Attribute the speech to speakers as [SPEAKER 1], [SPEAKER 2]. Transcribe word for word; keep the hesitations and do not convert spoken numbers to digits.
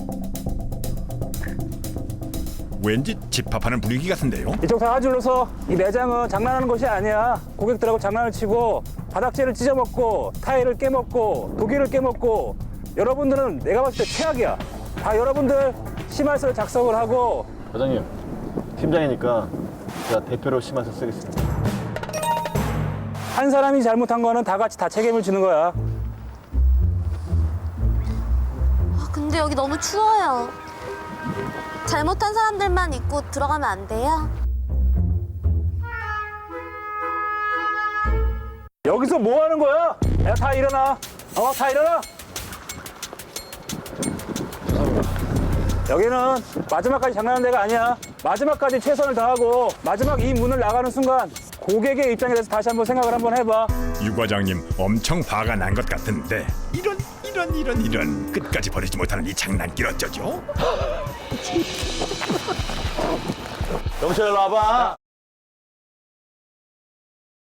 [SPEAKER 1] 왠지 집합하는 분위기 같은데요.
[SPEAKER 2] 이쪽 사과줄로 서. 이 매장은 장난하는 곳이 아니야. 고객들하고 장난을 치고 바닥재를 찢어먹고 타일을 깨먹고 독일을 깨먹고 여러분들은 내가 봤을 때 최악이야. 다 여러분들 심할서 작성을 하고.
[SPEAKER 3] 과장님, 팀장이니까 제가 대표로 심할서 쓰겠습니다.
[SPEAKER 2] 한 사람이 잘못한 거는 다 같이 다 책임을 지는 거야.
[SPEAKER 4] 아, 근데 여기 너무 추워요. 잘못한 사람들만 입고 들어가면 안 돼요?
[SPEAKER 2] 여기서 뭐 하는 거야? 야, 다 일어나. 어, 다 일어나. 여기는 마지막까지 장난하는 데가 아니야. 마지막까지 최선을 다하고 마지막 이 문을 나가는 순간 고객의 입장에 대해서 다시 한번 생각을 한번 해봐.
[SPEAKER 1] 유 과장님 엄청 화가 난 것 같은데 이런 이런 이런 이런 끝까지 버리지 못하는 이 장난길 어쩌죠?
[SPEAKER 3] 영철 일로 와봐.